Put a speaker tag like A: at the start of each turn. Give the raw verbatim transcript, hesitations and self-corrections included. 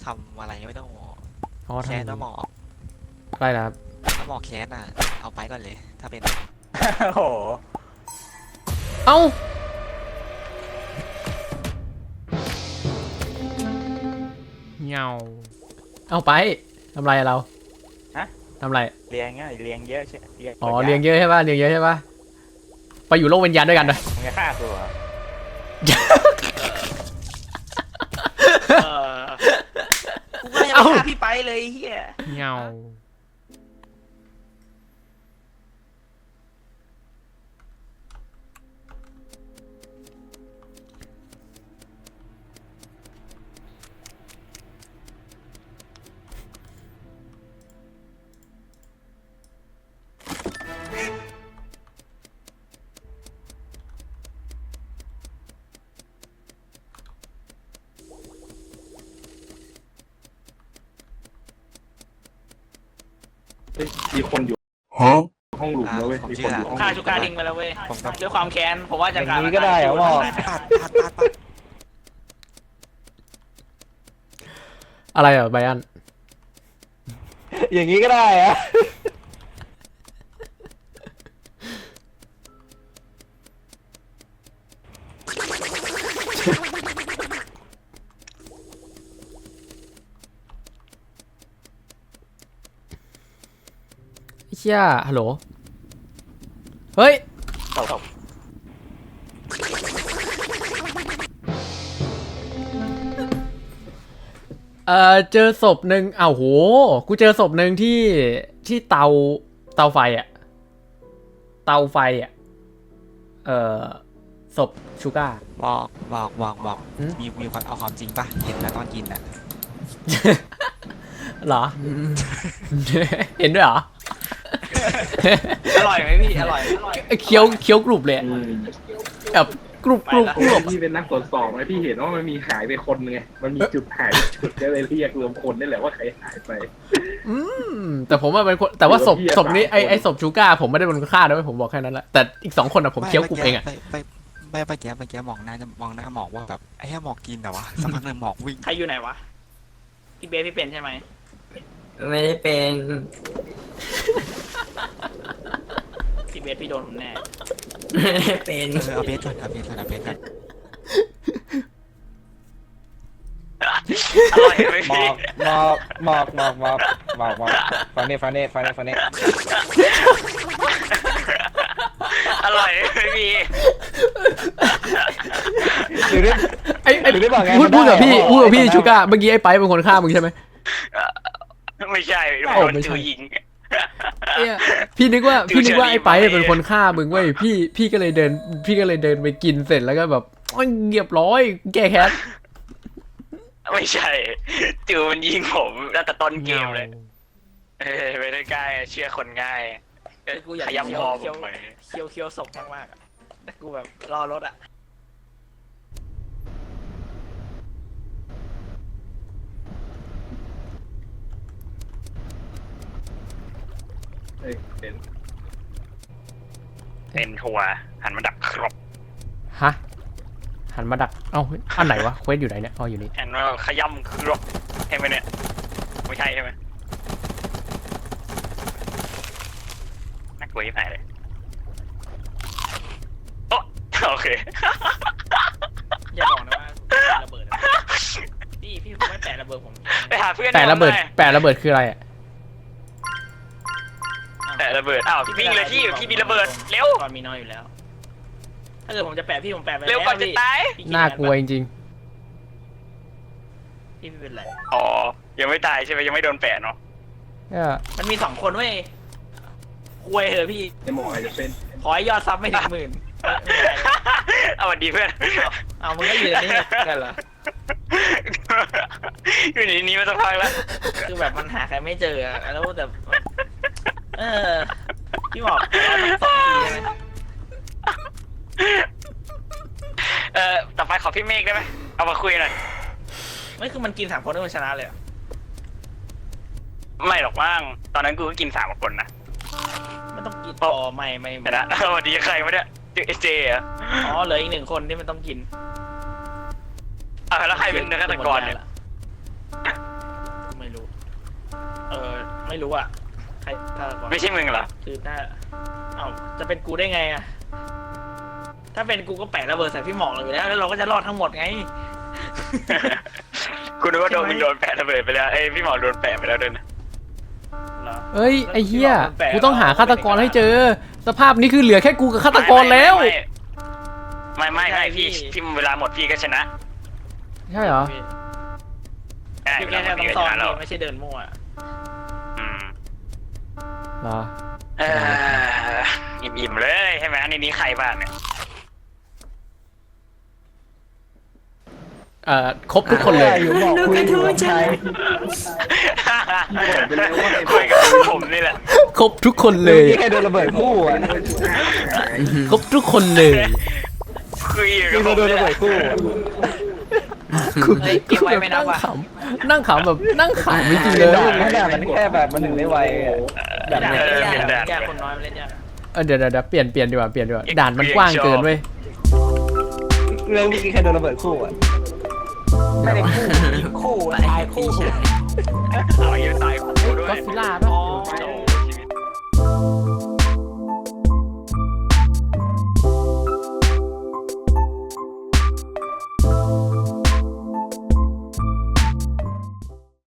A: ำอะไรไม่ต้องหมอก
B: อ๋อ
A: แคส
B: ทำ
A: น้ำหมอก
B: อะไรนะครับ
A: น้ำหมอกแคสอ่ะเอาไปก่อนเลยถ้าเป็น
C: โอ้โห
B: เอ้าเงาเอาไปทำไรอะเรา
C: ฮะ
B: ทำไร
C: เลี้ยงอ่ะเลี้ยงเยอะใช่เลี้ยง
B: อ๋อเลี้ยงเยอะใช่ป่ะเลี้ยงเยอะใช่ป่ะไปอยู่โลกวิญญาณด้วยกันเลย
C: มึงจะฆ่ากูเหรอ
A: เออกูก็ยังไม่ฆ่าพี่ไปเลยเฮีย
B: เงา
D: มีคนอยู่ห้องหลุมแล้วเว้ย มีคนอยู่ห้อง
E: ฆ่าชูการทิ้งไปแล้วเว้ย
A: ผมต้อง
E: ด้วยความแค้นผมว่าจะ
C: อย่างนี้ก็ได้เหรอหมอ
A: ปาดปาดปาดปาด
B: อะไรอ่ะไบอัน
C: อย่างนี้ก็ได้อะ
B: เชี่ยฮัลโหลเฮ้ยเออเจอศพหนึ่งอ้าวโหกูเจอศพหนึ่งที่ที่เตาเตาไฟอะเตาไฟอะเออศพชูก้า
A: บอกบอกบอกบอก
B: หืม
A: มีมีความเอาความจริงปะเห็นแล้วตอนกินอ่ะ
B: เหรอ เห็นด้วยเหรอ
E: อร่อยไหมพี่อร่อยอร่อย
B: เคี้ยวเคี้ยวกรุบเลยอะ
D: อืม
B: แบบกรุบกรุบกรุบ
D: พี่เป็นนักตรวจสอบไงพี่เห็นว่ามันมีหายไปคนไง มันมีจุดหายไปจุดก็เลยเรียกรวมคนนี่แหละว่าใครหายไป
B: อืมแต่ผมว่าเป็นคนแต่ว่าศพ
D: เดี๋ยวพี่
B: ศพนี้ไอ
D: สามคน
B: ไอศพชูก้าผมไม่ได้เป็นคนฆ่านะผมบอกแค่นั้นแหละแต่อีกสองคนอะผมเคี้ยวกรุบเองอะ
A: ไปไปไปไปแกไปแกมองหน้าจะมองหน้าหมอกว่าแบบไอ้แค่หมอกกินแต่วะสักพักหนึ่งหมอกวิ่ง
E: ใครอยู่ไหนวะพี่เบสพี่เป็นใช่ไหม
F: ไม่ได้เป็น
E: พี่เบสพี่โดนผมแน่
F: ไม่ได้เป็น
A: เออเอาเบสก่อนเอาเบสก่อนเอาเบสก่อน
E: อร่อยไหม
C: หม
E: พี่
C: อกหมอกหมอกหมอกหมอกหมอกหมอกฟังนี่ฟังนี่ฟังนี่ฟังนี่
E: อร่อยไหมพี่
C: หรือได้
B: ไอ้ไอ้
C: หรือได้บอกไง
B: พูดพูดกับพี่
C: มันได้เหรอ
B: พูดกับพี่ชูก้าเมื่อกี้ไอ้ไปเป็นคนฆ่ามึงใช่ไหม
E: ไม่ใช่
B: โอ้
E: ผม
B: ไม่ใช่
E: จูยิง
B: เนี่ยพี่นึกว่า
E: ดู
B: พี่นึกว่า
E: เชอรี่
B: ไอ้ไป
E: มา
B: เป็นคนฆ่ามึงเว้ยพี่พี่ก็เลยเดิน พี่ก็เลยเดินไปกินเสร็จแล้วก็แบบโอ้ยเงียบร้อยแก้แค้น
E: ไม่ใช่จูมันยิงผมตั้งแต่ต้นเกมเลยเออไม่ได้ใกล้เชื่อคนง่ายกูอยากย้ำคอผมไปเคี้ยวเคี้ยวศพมากๆอะแต่กูแบบรอรถอะ
D: เอ้ยเป็น
E: เป็นทัวร์หันมาดักครบ
B: ฮะหันมาดักเอ้าเฮ้ยอันไหนวะเควสอยู่ไหนเนี่ยอ๋ออยู่นี่
E: หันมาขย้ำครบใช่ไหมเนี่ยไม่ใช่ใช่ไหมน่ากลัวยิ่งหายเลยโอ้โอเค อย่าบอกนะว่าระเบิดพี่พี่ไม่แปะระเบิดผมไปหาเพื่อน
B: แปะระเบิดแปะระเบิดคืออะไรอ่ะ
E: แปะระเบิดอ้าวพี่วิ่งเลยพี่พี่มีระเบิดเร็วตอนมีน้อยอยู่แล้วถ้าเกิดผมจะแปะพี่ผมแปะไปเร็วก่อนจะตาย
B: น่ากลัวจริง
E: พี่เป็นไรอ๋อยังไม่ตายใช่ไหมยังไม่โดนแปะเนาะ
B: ๆเนี่ย
E: มันมีสองคนเว้ยคุยเหอะพี่
D: ไอหมออาจจะเป็น
E: ขอให้ยอดซับไม่ถึงหมื่นเอาวันดีเพื่อนเอามึงก็ยืนนี่กันเหรออยู่ในนี้มาสักพักแล้วคือแบบมันหาใครไม่เจอแล้วแต่เออพี่บอกเราต้องสองทีใช่ไหมเออต่อไปขอพี่เมฆได้ไหมเอามาคุยหน่อยไม่คือมันกินสามคนแล้วมันชนะเลยเหรอไม่หรอกมั้งตอนนั้นกูก็กินสามคนนะมันต้องกินอ๋อไม่ไม่ไม่นะสวัสดีใครวะเนี่ยเอเจอ่ะอ๋อเหลืออีกหนึ่งคนที่มันต้องกินอ่ะแล้วใครเป็นนักฆาตกรเนี่ย
A: เออไม่รู้อ่ะใครฆาตกร
E: ไม่ใช่มึงเหรอ
A: คือถ้าเอ้าจะเป็นกูได้ไงอ่ะถ้าเป็นกูก็แปะระเบิดใส่พี่หมอกเลยอยู่แล้วแล้วเราก็จะรอดทั้งหมดไง
E: กูนึกว่าโดนมึงโดนแปะระเบิดไปแล้วเอ้ยพี่หมอโดนแปะไปแล้วด้วยนะ
A: เหรอ
B: เอ้ยไอ้เหี้ยกูต้องหาฆาตกรให้เจอ สภาพนี้คือเหลือแค่กูกับฆาตกรแล้ว
E: ไม่ไม่ไม่พี่พี่เวลาหมดพี่ก็ชนะ
B: ใช่เหรอ
E: ใช่
A: พี่
E: เว
A: แค่
E: ลาหมด
A: ต้อ
E: พี่
A: ง
E: ก็
A: ซ่
E: ช
A: อน
E: นะเรา
A: ไม่ใช่เดินมั่ว
E: อืม
B: เหรอ
E: เอออิ่มๆเลยใช่ไหมในนี้ใครบ้างเนี่ย
B: เอ่อครบทุกคนเลย
C: อยู่บอกคุยอยู่กับใคร
E: คุยกับผมนี่แหละ
B: ครบทุกคนเลย
C: พี่แค่โดนระเบิดคู่อ่ะ
B: ครบทุกคนเลย
E: คุยกับ
C: พี่
E: ผม
C: โดน
E: นี่
C: ระ
E: แห
C: เบิ
E: ละ
C: ดคู่อะ
B: กู
A: เฮ้ยเก็บไว้ไม่นั
B: นั่
A: บ
B: ง
A: ว่ะ
B: ขำนั่งขำแบบนั่งขำจริงๆเลย
C: ด่านขนาดมันแค่แบบมันหนึ่งได้ไวอะ
A: ด่าน
E: เออ
A: เล่น
E: เปลี่ยน
A: ยาก
E: ด่าน
A: แกคนน้อยมันเล่นยาก
B: เออเดี๋ยวเดี๋ยวเดี๋ยวเปลี่ยนเปลี่ยนดีกว่าเปลี่ยนดีกว่าด่านมันกว้างเกินเว้ย
C: เรื่องเมื่อกี้แค่โดนระเบิดคู่อ่ะ
A: ไม่ได้คู่คู่ตายคู่
E: เอาอยู่ตายคู่ด้วย
B: ก็ซิล่าป่ะ
A: อ๋อ
E: โอ้